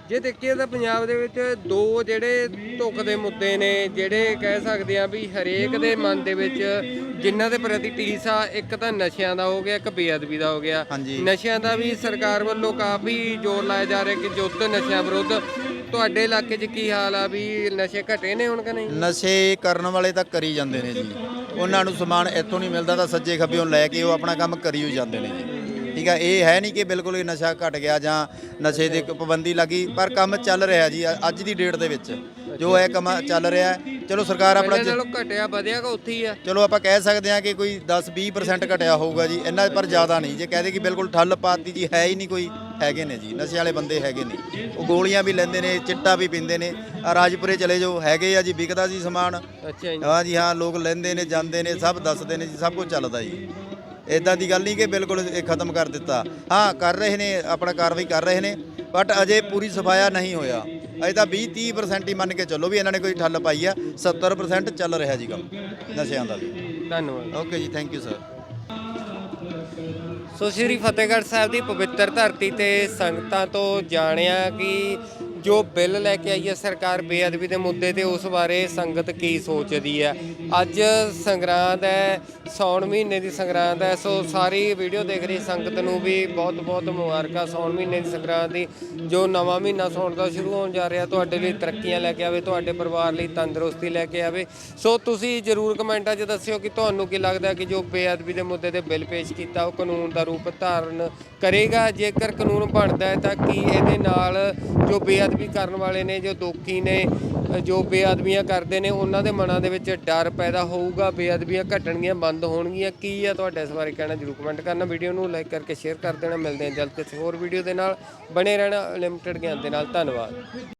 S1: ਜੇ ਦੇਖੀਏ ਤਾਂ ਪੰਜਾਬ ਦੇ ਵਿੱਚ ਦੋ ਜਿਹੜੇ ਧੁੱਖ ਦੇ ਮੁੱਦੇ ਨੇ, ਜਿਹੜੇ ਕਹਿ ਸਕਦੇ ਆ ਵੀ ਹਰੇਕ ਦੇ ਮਨ ਦੇ ਵਿੱਚ ਜਿਨ੍ਹਾਂ ਦੇ ਪ੍ਰਤੀ ਟੀਸ ਆ, ਇੱਕ ਤਾਂ ਨਸ਼ਿਆਂ ਦਾ ਹੋ ਗਿਆ, ਇੱਕ ਬੇਅਦਬੀ ਦਾ ਹੋ ਗਿਆ।
S6: ਹਾਂਜੀ।
S1: ਨਸ਼ਿਆਂ ਦਾ ਵੀ ਸਰਕਾਰ ਵੱਲੋਂ ਕਾਫੀ ਜ਼ੋਰ ਲਾਇਆ ਜਾ ਰਿਹਾ ਕਿ ਯੁੱਧ ਨਸ਼ਿਆਂ ਵਿਰੁੱਧ। ਤੁਹਾਡੇ ਇਲਾਕੇ 'ਚ ਕੀ ਹਾਲ ਆ ਵੀ ਨਸ਼ੇ ਘਟੇ ਨੇ ਹੁਣ ਕਿ ਨਹੀਂ?
S6: ਨਸ਼ੇ ਕਰਨ ਵਾਲੇ ਤਾਂ ਕਰੀ ਜਾਂਦੇ ਨੇ ਜੀ, ਉਹਨਾਂ ਨੂੰ ਸਮਾਨ ਇੱਥੋਂ ਨਹੀਂ ਮਿਲਦਾ ਤਾਂ ਸੱਜੇ ਖੱਬਿਓਂ ਲੈ ਕੇ ਉਹ ਆਪਣਾ ਕੰਮ ਕਰੀ ਹੋ ਜਾਂਦੇ ਨੇ ਜੀ। ਠੀਕ ਆ, ਇਹ ਹੈ ਨਹੀਂ ਕਿ ਬਿਲਕੁਲ ਇਹ ਨਸ਼ਾ ਘਟ ਗਿਆ ਜਾਂ ਨਸ਼ੇ ਦੀ ਪਾਬੰਦੀ ਲੱਗੀ, ਪਰ ਕੰਮ ਚੱਲ ਰਿਹਾ ਜੀ ਅੱਜ ਦੀ ਡੇਟ ਦੇ ਵਿੱਚ ਜੋ ਇਹ ਕੰਮ ਚੱਲ ਰਿਹਾ ਹੈ। ਚਲੋ ਸਰਕਾਰ ਆਪਣਾ
S1: ਪਹਿਲਾਂ ਨਾਲੋਂ ਘਟਿਆ ਵਧਿਆ ਕਿ ਉੱਥੇ ਹੀ ਆ?
S6: ਚਲੋ ਆਪਾਂ ਕਹਿ ਸਕਦੇ ਹਾਂ ਕਿ ਕੋਈ ਦਸ ਵੀਹ ਪਰਸੈਂਟ ਘਟਿਆ ਹੋਊਗਾ ਜੀ, ਇੰਨਾ ਪਰ ਜ਼ਿਆਦਾ ਨਹੀਂ। ਜੇ ਕਹਦੇ ਕਿ ਬਿਲਕੁਲ ਠੱਲ ਪਾਤੀ ਜੀ, ਹੈ ਹੀ ਨਹੀਂ ਕੋਈ, ਹੈਗੇ ਨੇ ਜੀ ਨਸ਼ੇ ਵਾਲੇ ਬੰਦੇ ਹੈਗੇ ਨੇ, ਉਹ ਗੋਲੀਆਂ ਵੀ ਲੈਂਦੇ ਨੇ, ਚਿੱਟਾ ਵੀ ਪੀਂਦੇ ਨੇ। ਆ ਰਾਜਪੁਰੇ ਚਲੇ ਜਾਓ, ਹੈਗੇ ਆ ਜੀ, ਵਿਕਦਾ ਜੀ ਸਮਾਨ।
S1: ਅੱਛਾ ਜੀ।
S6: ਹਾਂ ਜੀ ਹਾਂ, ਲੋਕ ਲੈਂਦੇ ਨੇ, ਜਾਂਦੇ ਨੇ, ਸਭ ਦੱਸਦੇ ਨੇ ਜੀ, ਸਭ ਕੁਝ ਚੱਲਦਾ ਜੀ। ਇਦਾਂ ਦੀ ਗੱਲ ਨਹੀਂ ਕਿ ਬਿਲਕੁਲ ਇਹ ਖਤਮ ਕਰ ਦਿੱਤਾ। ਹਾਂ, ਕਰ ਰਹੇ ਨੇ, ਆਪਣਾ ਕਾਰਵਾਈ ਕਰ ਰਹੇ ਨੇ, ਬਟ ਅਜੇ ਪੂਰੀ ਸਫਾਇਆ ਨਹੀਂ ਹੋਇਆ। ਅਜੇ ਤਾਂ ਵੀਹ ਤੀਹ ਪਰਸੈਂਟ ਹੀ ਮੰਨ ਕੇ ਚੱਲੋ ਵੀ ਇਹਨਾਂ ਨੇ ਕੋਈ ਠੱਲ ਪਾਈ ਆ। ਸੱਤਰ ਪਰਸੈਂਟ ਚੱਲ ਰਿਹਾ ਜੀ ਕੰਮ ਨਸ਼ਿਆਂ ਦਾ ਵੀ।
S1: ਧੰਨਵਾਦ।
S6: Okay ji, thank you sir.
S1: So Shri Fatehgarh Sahib ਦੀ ਪਵਿੱਤਰ ਧਰਤੀ ਤੇ ਸੰਗਤਾਂ ਤੋਂ ਜਾਣਿਆ ਕਿ ਜੋ ਬਿੱਲ ਲੈ ਕੇ ਆਈ ਹੈ ਸਰਕਾਰ ਬੇਅਦਬੀ ਦੇ ਮੁੱਦੇ ਤੇ, ਉਸ ਬਾਰੇ ਸੰਗਤ ਕੀ ਸੋਚਦੀ ਹੈ। ਅੱਜ ਸੰਗਰਾਂਦ ਹੈ, ਸਾਉਣ ਮਹੀਨੇ ਦੀ ਸੰਗਰਾਂਦ ਹੈ। ਸੋ ਸਾਰੀ ਵੀਡੀਓ ਦੇਖ ਰਹੀ ਸੰਗਤ ਨੂੰ ਵੀ ਬਹੁਤ ਬਹੁਤ ਮੁਬਾਰਕਾਂ ਸਾਉਣ ਮਹੀਨੇ ਦੀ ਸੰਗਰਾਂਦ ਦੀ। ਜੋ ਨਵਾਂ ਮਹੀਨਾ ਸਾਉਣ ਦਾ ਸ਼ੁਰੂ ਹੋਣ ਜਾ ਰਿਹਾ, ਤੁਹਾਡੇ ਲਈ ਤਰੱਕੀਆਂ ਲੈ ਕੇ ਆਵੇ, ਤੁਹਾਡੇ ਪਰਿਵਾਰ ਲਈ ਤੰਦਰੁਸਤੀ ਲੈ ਕੇ ਆਵੇ। ਸੋ ਤੁਸੀਂ ਜ਼ਰੂਰ ਕਮੈਂਟਾਂ 'ਚ ਦੱਸਿਓ ਕਿ ਤੁਹਾਨੂੰ ਕੀ ਲੱਗਦਾ ਕਿ ਜੋ ਬੇਅਦਬੀ ਦੇ ਮੁੱਦੇ ਤੇ ਬਿੱਲ ਪੇਸ਼ ਕੀਤਾ ਉਹ ਕਾਨੂੰਨ ਦਾ ਰੂਪ ਧਾਰਨ ਕਰੇਗਾ। ਜੇਕਰ ਕਾਨੂੰਨ ਬਣਦਾ ਹੈ ਤਾਂ ਕੀ ਇਹਦੇ ਨਾਲ ਜੋ ਬੇਅਦਬੀ ਕਰਨ ਵਾਲੇ ਨੇ, ਜੋ ਦੋਖੀ ਨੇ, ਜੋ ਬੇਅਦਬੀਆਂ ਕਰਦੇ ਨੇ, ਉਹਨਾਂ ਦੇ ਮਨਾਂ ਦੇ ਵਿੱਚ ਡਰ ਪੈਦਾ ਹੋਊਗਾ, ਬੇਅਦਬੀਆਂ ਘਟਣਗੀਆਂ, ਬੰਦ ਹੋਣਗੀਆਂ? ਕੀ ਆ ਤੁਹਾਡਾ ਇਸ ਬਾਰੇ ਕਹਿਣਾ, ਜ਼ਰੂਰ ਕਮੈਂਟ ਕਰਨਾ। ਵੀਡੀਓ ਨੂੰ ਲਾਈਕ ਕਰਕੇ ਸ਼ੇਅਰ ਕਰ ਦੇਣਾ। ਮਿਲਦੇ ਹਾਂ ਜਲਦ ਕਿਸੇ ਹੋਰ ਵੀਡੀਓ ਦੇ ਨਾਲ। ਬਣੇ ਰਹਿਣਾ ਲਿਮਟਿਡ ਗਿਆਨ ਦੇ ਨਾਲ। ਧੰਨਵਾਦ।